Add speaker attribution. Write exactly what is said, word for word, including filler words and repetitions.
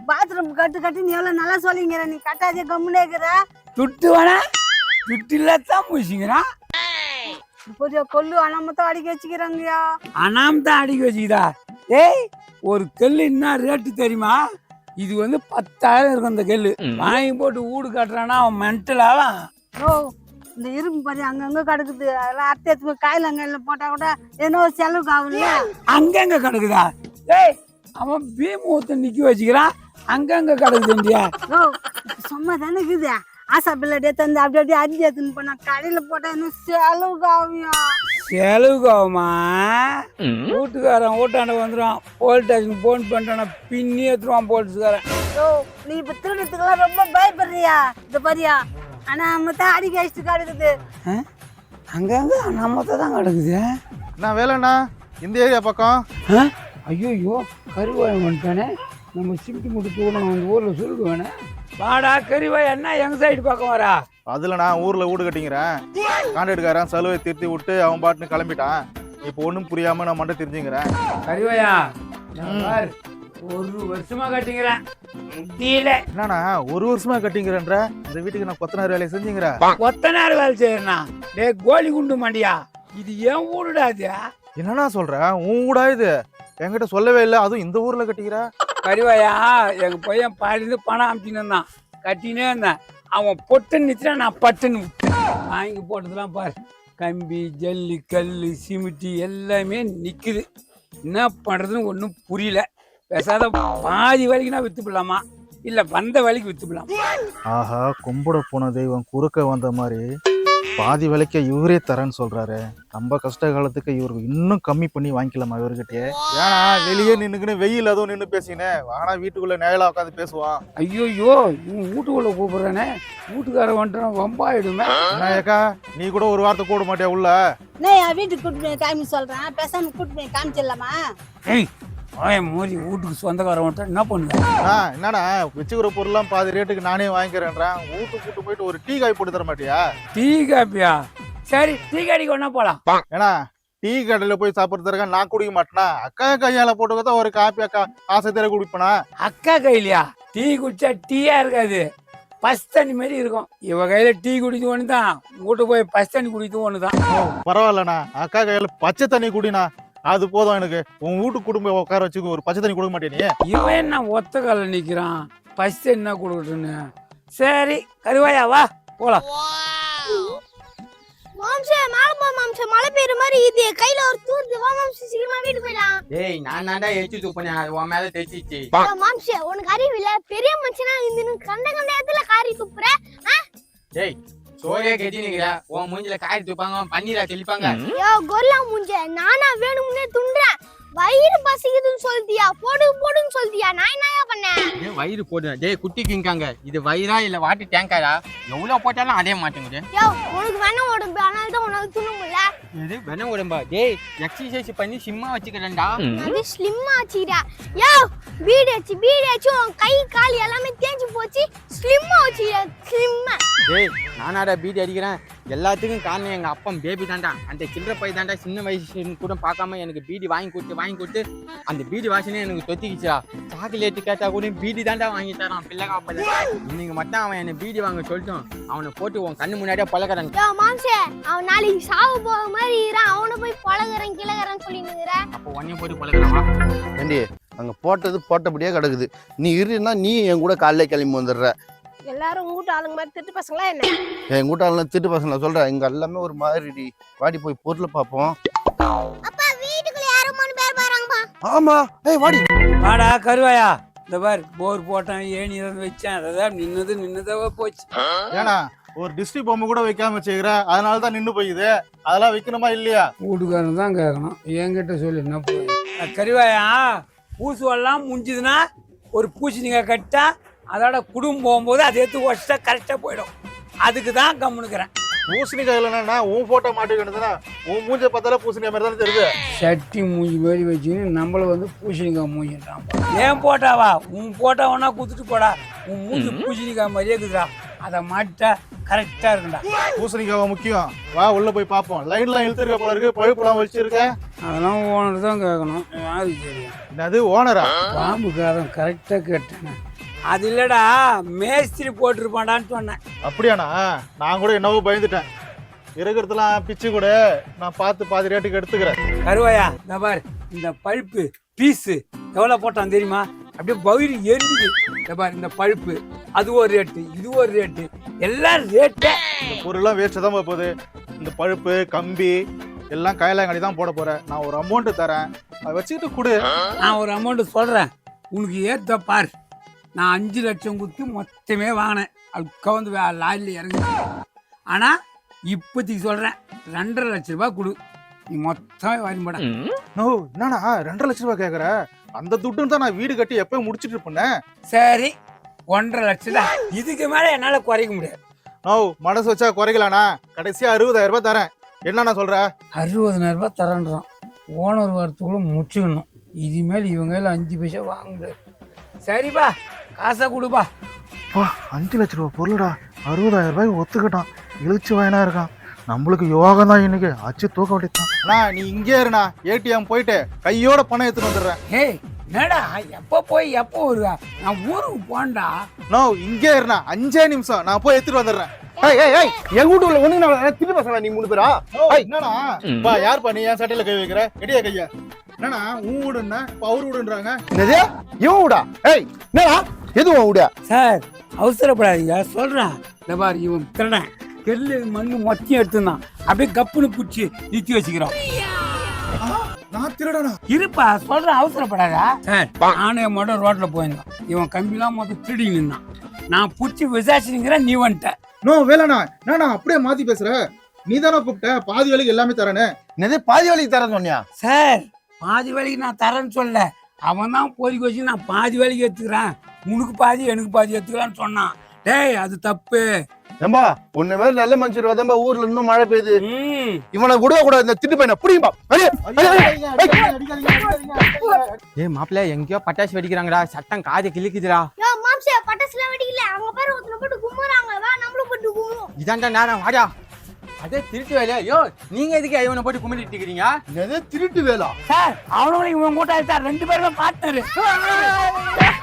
Speaker 1: Bathroom கட்டு கட்டி நீ எவ்வளவு நல்லா சொல்லிங்கிற நீ கட்டாதே கம்முனே இருக்கிற
Speaker 2: துட்டு வேணா துட்டு இல்லாதான் பூசிக்கிறான்
Speaker 1: புதிய கொல்லு அனாமத்தான் அடிக்க வச்சுக்கிறாங்கயா
Speaker 2: அனாம் தான் அடிக்க வச்சுக்கிதா ஏய் ஒரு கல்லு என்ன ரேட்டு தெரியுமா இது வந்து பத்தாயிரம் இருக்கும் அந்த கல்லு வாங்கி போட்டு வீடு கட்டுறான்னா அவன் மென்டலாலாம்
Speaker 1: ஓ இந்த இரும்பு பாரு அங்கங்க கிடக்குது அதெல்லாம் அத்தை காயில அங்க போட்டா கூட ஏதோ செலவுக்கு ஆகும்ல
Speaker 2: அங்கங்க கிடக்குதா ஏய் அவன் பீம் ஊத்த நிக்க வச்சுக்கிறான் அங்கங்க கிடக்குதுண்டியா
Speaker 1: ஓ சும்மா தானே இருக்குது ஆசா பிள்ளை தந்து அப்படி அப்படியே அரிஞ்சு எடுத்துன்னு போனா கடையில போட்டா இன்னும் செலவுக்கு ஆகும்யா
Speaker 2: செலவுக்கு ஆகுமா வீட்டுக்காரன் ஓட்டாண்ட வந்துடுவான் போலீஸ் ஸ்டேஷன் போன் பண்ணிட்டான பின்னி எடுத்துருவான் போலீஸ்காரன்
Speaker 1: ஓ நீ இப்ப திருடத்துக்கெல்லாம் ரொம்ப பயப்படுறியா இந்த பாரியா ஆனா நம்ம தான் அடிக்க வச்சுட்டு கிடக்குது
Speaker 2: அங்கங்க நம்மத்த தான் கிடக்குது
Speaker 3: நான் வேலைண்ணா இந்த ஏரியா பக்கம்
Speaker 2: ஐயோ கருவாயம் வந்துட்டானே நம்ம சிமிட்டி முட்டு தூரம் அந்த ஊரில் சொல்லிட்டு வேணே வாடா கறிவாய் என்ன எங்க சைடு பக்கம் வரா
Speaker 3: அதில் நான் ஊரில் வீடு கட்டிங்கிறேன் கான்ட்ராக்டுக்காரன் செலவை திருத்தி விட்டு அவன் பாட்டுன்னு கிளம்பிட்டான் இப்போ ஒன்றும் புரியாமல் நான் மட்டும் தெரிஞ்சுங்கிறேன்
Speaker 2: கறிவாயா ஒரு வருஷமா கட்டிங்கிறேன் முடியல
Speaker 3: என்னண்ணா ஒரு வருஷமா கட்டிங்கிறேன்ற இந்த வீட்டுக்கு நான் கொத்தனார் வேலையை செஞ்சுங்கிறேன்
Speaker 2: கொத்தனார் வேலை செய்யறா டே கோலி குண்டு மாண்டியா இது ஏன் ஊருடா அது
Speaker 3: என்னண்ணா சொல்கிறேன் உன் வீடா இது என்கிட்ட சொல்லவே இல்லை அதுவும் இந்த ஊரில் கட்டிக்கிற
Speaker 2: கறிவாயா எங்க பையன் பாடிந்து பணம் அமுச்சின்னு இருந்தான் கட்டினே இருந்தேன் அவன் பொட்டுன்னு நிறுத்தினா நான் பட்டுன்னு வாங்கி போட்டதெல்லாம் பாரு கம்பி ஜல்லி கல் சிமிட்டி எல்லாமே நிற்குது என்ன பண்ணுறதுன்னு ஒன்றும் புரியல பேசாத பாதி வலிக்கு நான் விற்று போடலாமா இல்லை வந்த வலிக்கு விற்று போடலாம்
Speaker 3: ஆஹா கும்பிட போன தெய்வம் குறுக்க வந்த மாதிரி பாதி விலைக்க இவரே தரேன்னு சொல்றாரு நம்ம கஷ்ட காலத்துக்கு இவருக்கு இன்னும் கம்மி பண்ணி வாங்கிக்கலாமா இவர்கிட்டயே ஏன்னா வெளியே நின்னுக்குன்னு வெயில் அதுவும் நின்று பேசினேன் வானா வீட்டுக்குள்ள நேரலா உட்காந்து பேசுவான்
Speaker 2: ஐயோ இவன் வீட்டுக்குள்ள கூப்பிடுறானே வீட்டுக்கார வந்துட்டான் வம்பாயிடுமே
Speaker 3: ஏக்கா நீ கூட ஒரு வார்த்தை கூட மாட்டியா உள்ள
Speaker 1: நான் என் வீட்டுக்கு கூட்டு போய் காமி சொல்றேன் பேசாம கூட்டு போய் காமிச்சிடலாமா
Speaker 2: ஏய் மோதி வீட்டுக்கு சொந்தக்காரன் வந்துட்டா என்ன பண்ணுவேன்
Speaker 3: என்னடா வச்சுக்கிற பொருள்லாம் பாதி ரேட்டுக்கு நானே வாங்கிக்கிறேன்றேன் வீட்டுக்கு கூட்டு போயிட்டு ஒரு டீ காய் போட்டு தர மாட்டியா
Speaker 2: டீ காப்பியா சரி டீ கடைக்கு ஒன்னா போலாம்
Speaker 3: ஏன்னா டீ கடையில போய் சாப்பிட்றதுக்கா நான் குடிக்க மாட்டேனா அக்கா கையால போட்டுக்கதான் ஒரு காப்பி அக்கா ஆசை தேர குடிப்பேனா
Speaker 2: அக்கா கையிலையா டீ குடிச்சா டீயா இருக்காது பஸ் தண்ணி மாதிரி இருக்கும் இவ கையில டீ குடிச்சு ஒன்று தான் வீட்டு போய் பஸ் தண்ணி குடிச்சு ஒன்று தான்
Speaker 3: பரவாயில்லண்ணா அக்கா கையில பச்சை தண்ணி குடினா அது போதும் எனக்கு உன் வீட்டுக்கு குடும்ப உட்கார வச்சு ஒரு பச்சை தண்ணி கொடுக்க மாட்டேனே
Speaker 2: இவன் என்ன ஒத்த கால நிக்கிறான் பஸ் என்ன கொடுக்கட்டுன்னு சரி கருவாயா வா போலாம்
Speaker 4: மாம்சே மேல போ மாம்சே மழை பெய்யுற மாதிரி இது கையில ஒரு தூர்து வா மாம்சே சீக்கிரமா வீட்டுக்கு போயிடலாம்
Speaker 5: டேய் நான் தான்டா ஏத்தி தூப்பனே அது உன் மேல தேச்சிச்சு
Speaker 4: மாம்சே உனக்கு அறிவு இல்ல பெரிய மனுஷனா இந்த கண்ட கண்ட இடத்துல காரி துப்புற
Speaker 5: டேய் சோரே கெட்டி நிக்கிற உன் மூஞ்சில காரி துப்பாங்க பன்னீரா தெளிப்பாங்க
Speaker 4: யோ கொல்லா மூஞ்சே நானா வேணும்னே துன்றேன் வயிறு பசிக்குதுன்னு சொல்லியா போடு போடுன்னு சொல்லியா நான் என்னயா பண்ணேன்
Speaker 5: வயிறு போடு டேய் குட்டி கிங்காங்க இது வயிறா இல்ல வாட்டர் டேங்காரா எவ்வளவு போட்டாலும் அதே மாட்டேங்குது
Speaker 4: யோ உனக்கு வேணா உடம்பு அதனால தான் உனக்கு துண்ண முடியல
Speaker 5: இது வேணா உடம்பா டேய் எக்ஸசைஸ் பண்ணி சிம்மா வச்சுக்கிறேன்டா
Speaker 4: அது ஸ்லிம்மா வச்சுக்கிறா யோ பீடி வச்சு பீடி வச்சு உன் கை கால் எல்லாமே தேஞ்சு போச்சு ஸ்லிம்மா வச்சுக்கிறா ஸ்லிம்மா
Speaker 5: டேய் நானாடா பீடி அடிக்கிறேன் எல்லாத்துக்கும் காரணம் எங்க அப்பா பேபி தாண்டா அந்த சில்லற பை தாண்டா சின்ன வயசு கூட பார்க்காம எனக்கு பீடி வாங்கி கொடுத்து வாங்கி கொடுத்து அந்த பீடி வாசனே எனக்கு தொத்திக்கிச்சா சாக்லேட் கேட்டா கூட பீடி தாண்டா வாங்கி தரான் பிள்ளைகா அப்பல இன்னைக்கு மட்டும் அவன் என்ன பீடி வாங்க சொல்லிட்டோம் அவனை போட்டு உன் கண்ணு முன்னாடியே பழகிறான்
Speaker 4: யோ மாம்சே அவன் நாளைக்கு சாவு போக மாதிரி இருக்கான் அவனை போய் பழகிறேன் கிழகிறேன்னு சொல்லிட்டு
Speaker 5: அப்போ உன்னையும் போட்டு பழகிறான்
Speaker 6: ஏண்டி அங்க போட்டது போட்டபடியே கிடக்குது நீ இருன்னா நீ என் கூட காலையில கிளம்பி வந்துடுற
Speaker 4: எல்லாரும் உங்க வீட்டு ஆளுங்க மாதிரி திட்டு பசங்களா என்ன
Speaker 6: என் கூட்டாளெல்லாம் திட்டு பசங்கள சொல்றேன் இங்க எல்லாமே ஒரு மாதிரி வாடி போய் பொருளை பார்ப்போம்
Speaker 4: அப்பா வீட்டுக்குள்ள யாரும் மூணு பேர் போறாங்கப்பா
Speaker 6: ஆமா ஏய் வாடி
Speaker 2: வாடா கருவாயா இந்த பாரு போர் போட்டான் ஏணி இருந்து வச்சேன் அதான் நின்னது நின்னதாவா போச்சு
Speaker 3: ஏன்னா ஒரு டிஸ்ட்ரிக் பொம்மை கூட வைக்காம வச்சுக்கிற அதனால தான் நின்று போயிது அதெல்லாம் வைக்கணுமா இல்லையா
Speaker 2: வீட்டுக்காரன் தான் கேட்கணும் என்கிட்ட சொல்லி என்ன போய் கருவாயா பூசுவெல்லாம் முடிஞ்சதுன்னா ஒரு பூசணிக்காய் கட்டா அதோட குடும்பம் போகும்போது அதை எடுத்து வச்சா கரெக்டாக போயிடும் அதுக்கு தான் கம்முனுக்கிறேன்
Speaker 3: பூசணிக்காய் இல்லைன்னா உன் போட்டோ மாட்டிக்கிட்டதுன்னா உன் மூஞ்ச பார்த்தாலே பூசணிக்காய் மாதிரி தானே தெரியுது
Speaker 2: சட்டி மூஞ்சி மாதிரி வச்சுன்னு நம்மள வந்து பூசணிக்காய் மூஞ்சிட்டான் ஏன் போட்டாவா உன் போட்டாவனா குத்துட்டு போடா உன் மூஞ்சி பூசணிக்காய் மாதிரியே இருக்குதுடா அதை மாட்டா கரெக்டா இருக்குண்டா
Speaker 3: பூசணிக்காவா முக்கியம் வா உள்ள போய் பார்ப்போம் லைன்லாம் இழுத்துருக்க போல இருக்கு பழுப்புலாம் வச்சிருக்கேன்
Speaker 2: அதெல்லாம் ஓனர் தான் கேட்கணும் யாருக்கு தெரியும்
Speaker 3: என்னது ஓனரா
Speaker 2: பாம்புக்காரன் கரெக்டா கேட்டேன் அது இல்லடா மேஸ்திரி போட்டிருப்பாடான்னு சொன்னேன்.
Speaker 3: அப்படியாண்ணா? நான் கூட என்னவோ பயந்துட்டேன். இருக்கிறதுலாம் பிச்சு கூட நான் பார்த்து பாதி ரேட்டுக்கு எடுத்துக்கிறேன்.
Speaker 2: கருவாயா இந்த பாரு, இந்த பழுப்பு பீஸு எவ்வளோ போட்டான் தெரியுமா? அப்படியே பயிர் எரிஞ்சுது. இந்த பாரு, இந்த பழுப்பு அது ஒரு ரேட்டு, இது ஒரு ரேட்டு, எல்லாம் ரேட்டு.
Speaker 3: இந்த பொருள்லாம் வேஸ்ட்டு தான் போகுது. இந்த பழுப்பு கம்பி எல்லாம் கையிலாங்கடி தான் போட போறேன். நான் ஒரு அமௌண்ட்டு தரேன், அதை வச்சுக்கிட்டு கொடு.
Speaker 2: நான் ஒரு அமௌண்ட்டு சொல்கிறேன், உனக்கு ஏற்ற பார். நான் அஞ்சு லட்சம் கொடுத்து மொத்தமே வாங்கினேன். அது கவுந்து லாரியில் இறங்குது. ஆனால் இப்போதைக்கு சொல்கிறேன், ரெண்டரை லட்ச ரூபாய் கொடு, நீ மொத்தம் வாங்கி போட.
Speaker 3: நோ, என்னண்ணா ரெண்டரை லட்ச ரூபாய் கேட்குற? அந்த துட்டுன்னு தான் நான் வீடு கட்டி எப்போ முடிச்சுட்டு இருப்பேன்.
Speaker 2: சரி, ஒன்றரை லட்சம் தான். இதுக்கு மேலே என்னால் குறைக்க முடியாது.
Speaker 3: நோ, மனசு வச்சா குறைக்கலாண்ணா. கடைசியாக அறுபதாயிரம் ரூபாய் தரேன். என்னண்ணா சொல்ற?
Speaker 2: அறுபதாயிரம் ரூபாய் தரேன்றான். ஓனர் வரத்துக்குள்ள முடிச்சுக்கணும். இதுமேல் இவங்க அஞ்சு பைசா வாங்க முடியாது. சரிப்பா, காசை கொடுப்பா.
Speaker 3: பா, அஞ்சு லட்ச ரூபா பொருளுடா, அறுபதாயிரம் ரூபாய் ஒத்துக்கிட்டான். இழுச்சு வாயினா இருக்கான். நம்மளுக்கு யோகம் தான் இன்னைக்கு. அச்சு தூக்க வேண்டியதான். நீ இங்கே இருண்ணா, ஏடிஎம் போயிட்டு கையோட பணம் எடுத்துட்டு வந்துடுறேன்.
Speaker 2: ஹே, என்னடா எப்போ போய் எப்போ வருவா? நான் ஊருக்கு போண்டா.
Speaker 3: நோ, இங்கே இருண்ணா, அஞ்சே நிமிஷம் நான் போய் எடுத்துட்டு வந்துடுறேன்.
Speaker 6: ஏய் ஏய் ஏய் என் வீட்டுல ஒண்ணு நான் திருப்பி பசங்க நீ மூணு பேரா?
Speaker 3: என்னண்ணா பா, யார் பண்ணி என் சட்டையில கை வைக்கிற? எடியா கையா? என்னண்ணா உன் வீடுன்னா அவர் வீடுன்றாங்க.
Speaker 6: என்னது இவன் வீடா? ஏய் என்னடா எது உன் வீடா?
Speaker 2: சார் அவசரப்படாதீங்க, சொல்றேன். இந்த பாரு, இவன் திருடன் கெல்லு மண்ணு மொத்தையும் எடுத்துருந்தான். அப்படியே கப்புன்னு பிடிச்சி நிறுத்தி வச்சுக்கிறோம்.
Speaker 3: நான் திருடனா?
Speaker 2: இருப்பா, சொல்றேன், அவசரப்படாதா. சார், நானே மட்டும் ரோட்ல போயிருந்தோம். இவன் கம்பிலாம் மொத்தம் திருடி நின்னான். நான் பிடிச்சி விசாரிச்சுங்கிறேன், நீ வந்துட்ட.
Speaker 3: நோ வேலைண்ணா, என்னண்ணா அப்படியே மாத்தி பேசுற? நீ தானே கூப்பிட்ட பாதி வேலைக்கு எல்லாமே தரேன்னு.
Speaker 6: என்னது பாதி வேலைக்கு தரேன்னு சொன்னியா?
Speaker 2: சார், பாதி வேலைக்கு நான் தரேன்னு சொல்ல, அவன் தான் பொறிக்க வச்சு நான் பாதி வேலைக்கு எடுத்துக்கிறேன், உனக்கு பாதி எனக்கு பாதி எடுத்துக்கலான்னு சொன்னான். டேய், அது தப்பு.
Speaker 6: ஏம்பா, உன்னை மாதிரி நல்ல மனுஷர் வதம்பா ஊர்ல இன்னும் மழை பெய்யுது.
Speaker 2: ம்,
Speaker 6: இவனை விட கூடாது. இந்த திட்டு பையனை புரியும்பா?
Speaker 5: ஏ மாப்பிள்ள, எங்கேயோ பட்டாசு வெடிக்கிறாங்கடா, சட்டம் காதை கிழிக்குதுடா.
Speaker 4: யோ மாம்சே, பட்டாசுலாம் வெடிக்கல. அவங்க பேர் ஒருத்தனை போட்டு கும்புறாங்க. வா நம்மளும் போட்டு கும்புவோம்.
Speaker 5: இதான்டா நேரம், வாடா. அதே திருட்டு வேலையா? யோ, நீங்க எதுக்கு இவனை போட்டு கும்பிட்டு இருக்கிறீங்க?
Speaker 6: என்னது திருட்டு வேலா?
Speaker 2: சார், அவனும் இவன் கூட்டாளி சார், ரெண்டு பேருமே பார்ட்னர்.